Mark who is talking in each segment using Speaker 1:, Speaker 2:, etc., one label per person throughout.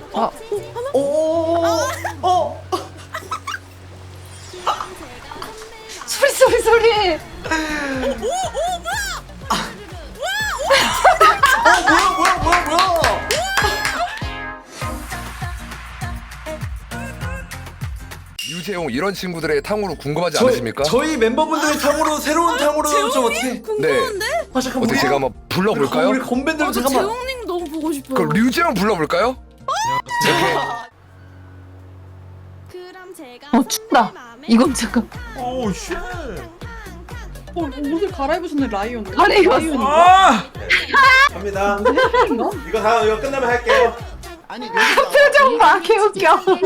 Speaker 1: 소리.
Speaker 2: 뭐야?
Speaker 3: 유재용 이런 친구들의 탕후루 궁금하지 않으십니까?
Speaker 2: 저희 멤버분들의 탕후루 새로운 탕후루 좀 어떻게?
Speaker 4: 궁금한데?
Speaker 2: 잠깐
Speaker 3: 어떻게 제가 한번 불러볼까요?
Speaker 2: 우리 건밴들
Speaker 4: 저
Speaker 2: 잠깐만.
Speaker 4: 재홍님 너무 보고 싶어요.
Speaker 3: 그럼 류재용 불러볼까요?
Speaker 1: 춥다. 이건 잠깐.
Speaker 5: 오우 쉣.
Speaker 6: 옷을 갈아입으셨네 라이온.
Speaker 1: 갈아입었어.
Speaker 5: 아!
Speaker 7: 갑니다. 이거 끝나면 할게요.
Speaker 8: 아니
Speaker 1: 표정 봐, 개웃겨.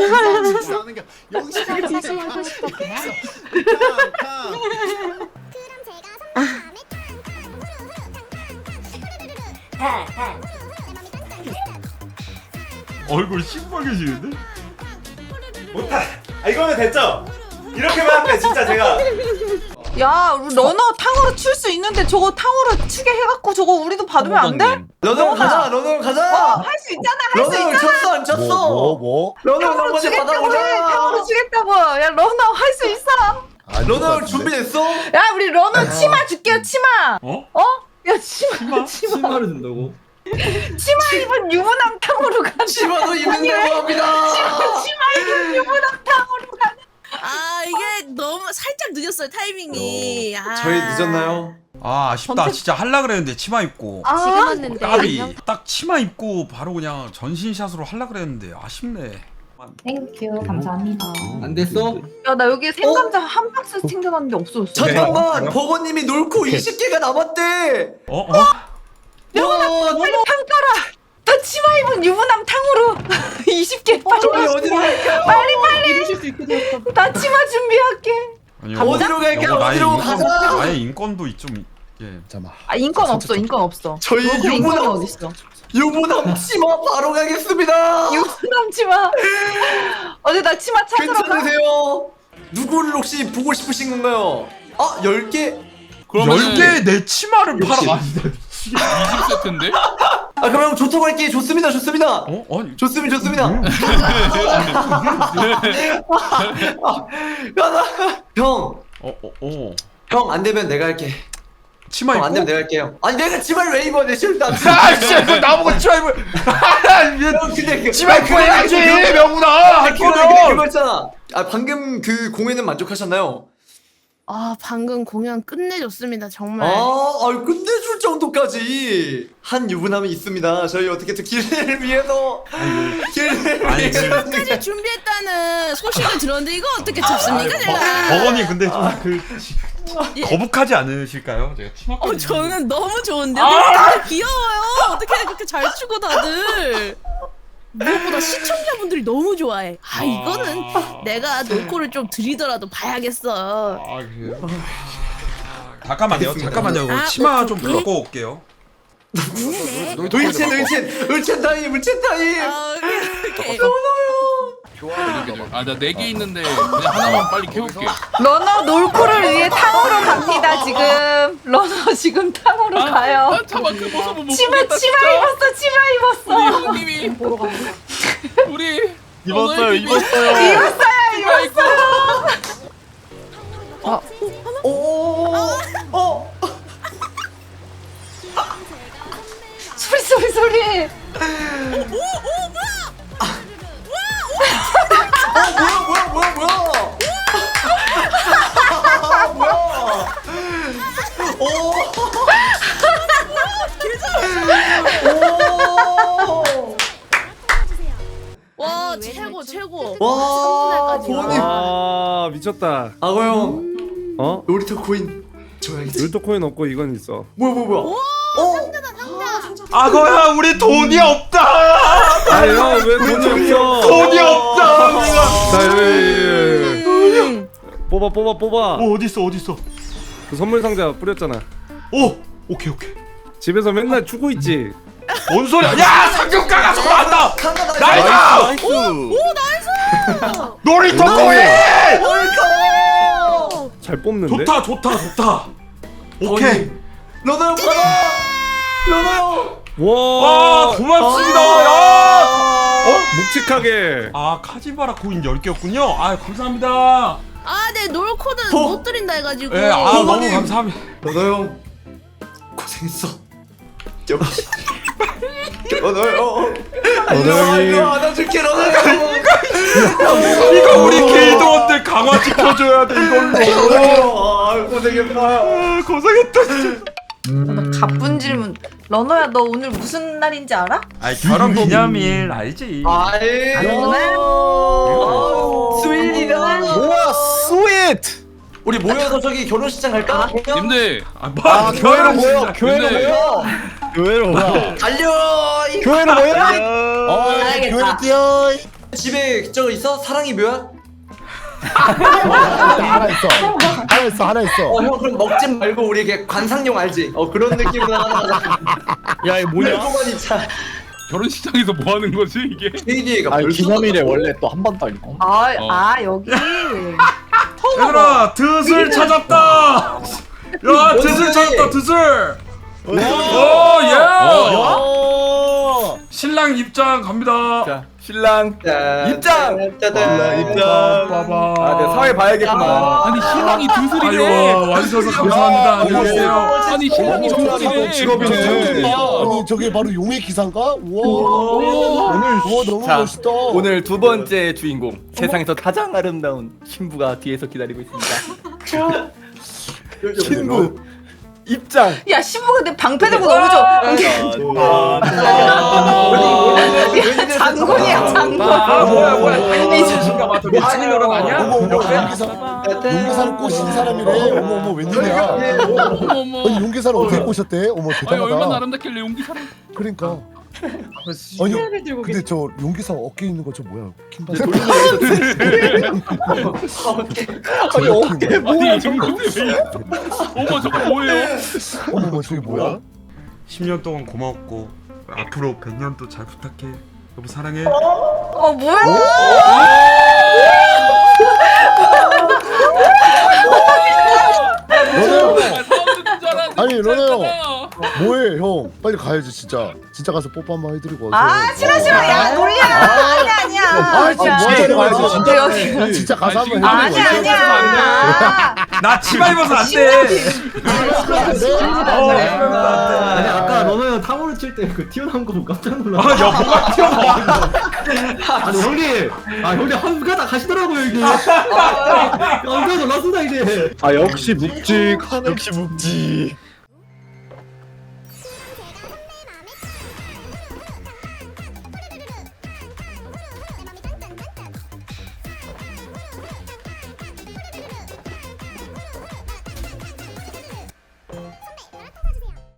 Speaker 8: 여기서
Speaker 1: 하고 싶었구나.
Speaker 5: 얼굴 신박해지는데?
Speaker 7: 못하. 이거면 됐죠? 이렇게만 하면 돼, 진짜 제가.
Speaker 1: 야, 우리 러너 탕후루 출 수 있는데 저거 탕후루 추게 해갖고 저거 우리도 받으면 안 돼?
Speaker 2: 러너 가자.
Speaker 1: 할 수 있잖아, 할 수
Speaker 2: 러너
Speaker 1: 있잖아.
Speaker 2: 쳤어 안 쳤어?
Speaker 8: 뭐?
Speaker 2: 러너
Speaker 1: 탕후루
Speaker 2: 한번
Speaker 1: 주겠다고 해.
Speaker 2: 받아보자.
Speaker 1: 탕후루 주겠다고. 야, 러너 할 수 있어.
Speaker 2: 러너 준비됐어?
Speaker 1: 야, 우리 러너 치마 줄게요, 치마.
Speaker 5: 어?
Speaker 1: 야, 치마.
Speaker 2: 치마를 준다고?
Speaker 1: 치마 입은 유부남 탕후루 가는.
Speaker 2: 치마도 입는다고 합니다.
Speaker 1: 치마 입은 유부남 탕후루 가는.
Speaker 4: 아 이게 너무 살짝 늦었어요 타이밍이.
Speaker 2: 저희 늦었나요?
Speaker 5: 아 아쉽다. 진짜 할라 그랬는데 치마 입고.
Speaker 1: 지금
Speaker 9: 왔는데
Speaker 5: 까비. 딱 치마 입고 바로 그냥 전신샷으로 할라 그랬는데 아쉽네.
Speaker 1: 땡큐, 감사합니다.
Speaker 2: 안 됐어?
Speaker 1: 야, 나 여기 생감자 한 박스 챙겨갔는데 없어졌어.
Speaker 2: 잠깐만 버거님이 놀코 20개가 남았대.
Speaker 5: 어?
Speaker 1: 빨리 평가라. 나 치마 입은 유부남 탕후루 20개
Speaker 2: 저희
Speaker 1: 빨리.
Speaker 2: 어디로 갈까요?
Speaker 1: 빨리.
Speaker 6: 이루실 수 있게 되었다.
Speaker 1: 나 치마 준비할게.
Speaker 5: 아니,
Speaker 2: 어디로 갈게요?
Speaker 5: 여기 나의
Speaker 2: 어디로
Speaker 5: 인권,
Speaker 2: 가자.
Speaker 5: 나의 인권도 좀 예.
Speaker 1: 아, 인권 없어, 인권 없어.
Speaker 2: 저희
Speaker 1: 너그 인권이
Speaker 2: 유부남
Speaker 1: 어딨어?
Speaker 2: 유부남 치마 바로 가겠습니다.
Speaker 1: 유부남 치마. 어제 나 치마 찾으러 가.
Speaker 2: 괜찮으세요? 누구를 혹시 보고 싶으신 건가요? 아 10개?
Speaker 5: 10개 내 치마를 팔아.
Speaker 10: 20세트인데?
Speaker 2: 아 그럼 좋다고 할게. 좋습니다.
Speaker 5: 어? 아니.
Speaker 2: 좋습니다. 형, 형 안 되면 내가 할게.
Speaker 5: 치마
Speaker 2: 형
Speaker 5: 입고?
Speaker 2: 안 되면 내가 할게요. 아니 내가 치마를 왜 입어? 내 싫다.
Speaker 5: 아 진짜 나보고 치마 입을.
Speaker 2: 형 근데
Speaker 5: 치마 입고 해야지 명훈아. 할 거면.
Speaker 2: 그거였잖아. 아 방금 그 공연은 만족하셨나요?
Speaker 4: 아 방금 공연 끝내줬습니다 정말.
Speaker 2: 끝내줄 정도까지 한 유부남이 있습니다. 저희 어떻게든 길을 위해서
Speaker 5: 아니,
Speaker 4: 끝까지 준비했다는 소식을 들었는데 이거 어떻게 접습니까 제가?
Speaker 5: 버거님 근데 좀 거북하지 않으실까요? 제가 치마.
Speaker 4: 저는 너무 좋은데요. 너무 귀여워요. 어떻게 그렇게 잘 추고 다들. 무엇보다 시청자분들이 너무 좋아해. 이거는 내가 놀코를 좀 드리더라도 봐야겠어.
Speaker 5: 그래요? 잠깐만요.
Speaker 4: 아,
Speaker 5: 치마 좀
Speaker 4: 오케이.
Speaker 5: 바꿔 올게요.
Speaker 2: 을첸 타임.
Speaker 4: 오케이.
Speaker 10: 나 4개 있는데 그냥 하나만 빨리 캐올게.
Speaker 1: 러너 놀코를 위해 탕후루 갑니다 지금. 러너 지금 탕후루 가요.
Speaker 10: 잠깐만 그 모습은 못
Speaker 1: 치마
Speaker 10: 보겠다,
Speaker 1: 치마
Speaker 10: 진짜.
Speaker 1: 입었어. 치마 입었어.
Speaker 10: 우리 형님이 우리
Speaker 5: 입었어요.
Speaker 1: 입었어요. 소리.
Speaker 4: 와 최고.
Speaker 2: 와
Speaker 4: 보니.
Speaker 11: 아 미쳤다.
Speaker 2: 아고 형
Speaker 11: 어?
Speaker 2: 놀이터 코인 줘야겠지.
Speaker 11: 율도 코인 없고 이건 있어.
Speaker 2: 뭐야?
Speaker 5: 아거야 우리 돈이 없다.
Speaker 11: 아형 왜 돈이 없어?
Speaker 5: 돈이 없다.
Speaker 11: 자 여기 뽑아.
Speaker 5: 어디 있어?
Speaker 11: 그 선물 상자 뿌렸잖아.
Speaker 5: 오케이.
Speaker 11: 집에서 맨날 추고 있지.
Speaker 5: 뭔 소리야? 야 상륙가가 나왔다. 나이스. 놀이터 코인.
Speaker 11: 잘 뽑는데.
Speaker 5: 좋다. 오케이.
Speaker 2: 러너 형 받아. 러너 형.
Speaker 11: 와
Speaker 5: 고맙습니다. 야.
Speaker 11: 묵직하게.
Speaker 5: 아 카지바라 코인 10개였군요. 아 감사합니다.
Speaker 4: 내 놀코는
Speaker 2: 호.
Speaker 4: 못 드린다 해가지고.
Speaker 5: 예, 아 너무
Speaker 2: 부모님.
Speaker 5: 감사합니다.
Speaker 2: 러너 형 고생했어. 역시. 러너 형. 이거 안아줄게 러너 형.
Speaker 5: 이거 우리 길드원들 강화 지켜줘야 돼 이걸로.
Speaker 2: 아 고생했다.
Speaker 5: 아, 고생했다 진짜.
Speaker 1: 가쁜 질문. 러너야 너 오늘 무슨 날인지 알아?
Speaker 5: 아 결혼 기념일 알지?
Speaker 2: 아이. 스윗이다.
Speaker 8: 우와 스윗.
Speaker 2: 우리 모여서 저기 결혼식장 갈까?
Speaker 10: 님들
Speaker 5: 아
Speaker 8: 교회로 모여.
Speaker 10: 근데-
Speaker 8: 교회로 모여. 교회로 모여.
Speaker 2: 달려.
Speaker 8: 교회로 모여.
Speaker 1: 알겠다.
Speaker 8: 교회로 뛰어.
Speaker 2: 집에 저거 있어? 사랑이 묘야?
Speaker 8: 하나 있어. 하나 있어.
Speaker 2: 형 그럼 먹지 말고 우리 이게 관상용 알지? 그런 느낌으로 하나 가자.
Speaker 8: 야 이거 뭐냐?
Speaker 2: 조금만 있자.
Speaker 10: 결혼식장에서 뭐 하는 거지 이게?
Speaker 2: KDA가
Speaker 8: 아니 기념일에 원래 또 한 번 더 있고.
Speaker 1: 여기.
Speaker 5: 얘들아 드슬 찾았다. 야 드슬 찾았다 드슬. 오 예. 신랑 입장 갑니다.
Speaker 2: 자,
Speaker 7: 신랑 입장!
Speaker 2: 짜잔.
Speaker 5: 입장.
Speaker 7: 아, 네, 사회 봐야겠구나.
Speaker 10: 아니 신랑이
Speaker 5: 아유
Speaker 10: 드슬이래.
Speaker 5: 와주셔서 감사합니다. 안녕하세요.
Speaker 10: 아니 신랑이 드슬이래.
Speaker 8: 직업이네. 아니 저게 바로 용의 기사인가? 우와. 오늘 너무
Speaker 7: 자,
Speaker 8: 멋있다.
Speaker 7: 오늘 두 번째 주인공, 세상에서 가장 아름다운 신부가 뒤에서 기다리고 있습니다. 신부 입장.
Speaker 1: 야 신부가 내 방패 들고 너무 좋아. 야 장군이야 장군.
Speaker 5: 아 뭐야 이 자신가 봐. 미친이 노릇 아니야?
Speaker 8: 용기사를 꼬신 사람이래. 어머 웬일이야?
Speaker 10: 어머.
Speaker 8: 아니 용기사를 어떻게 꼬셨대? 어머
Speaker 10: 아니 얼마나
Speaker 8: 대단하다.
Speaker 10: 아름답길래 용기사를.
Speaker 8: 그러니까. 아니 근데 저 용기사 어깨에 있는 거 저 뭐야? 킹받.
Speaker 2: 아니 어깨
Speaker 10: 아니 용기사 왜? 어머 저거 뭐예요?
Speaker 8: 어머 저게 뭐야?
Speaker 5: 10년 동안 고마웠고 앞으로 100년 또 잘 부탁해. 여보 사랑해.
Speaker 1: 뭐야?
Speaker 8: 아니 러너 형 뭐해 형? 빨리 가야지 진짜. 진짜 가서 뽀뽀 한번 해드리고.
Speaker 1: 싫어. 야 놀리야. 아니야.
Speaker 8: 아 진짜 뭐 하자는 거야 진짜.
Speaker 1: 여기.
Speaker 8: 진짜 가서 한번
Speaker 10: 아니,
Speaker 8: 해드리고.
Speaker 1: 아니야.
Speaker 5: 나 치마 입어서 안 돼.
Speaker 2: 아니
Speaker 9: 아까 러너 형 탕후루 칠 때 그 튀어나온 거 보고 깜짝 놀라.
Speaker 5: 아 여보가 튀어나와.
Speaker 9: 아니 형님, 형님 한 가닥 하시더라고요 이게. 깜짝 놀랐습니다 이제.
Speaker 11: 아 역시 묵직. 역시 묵직.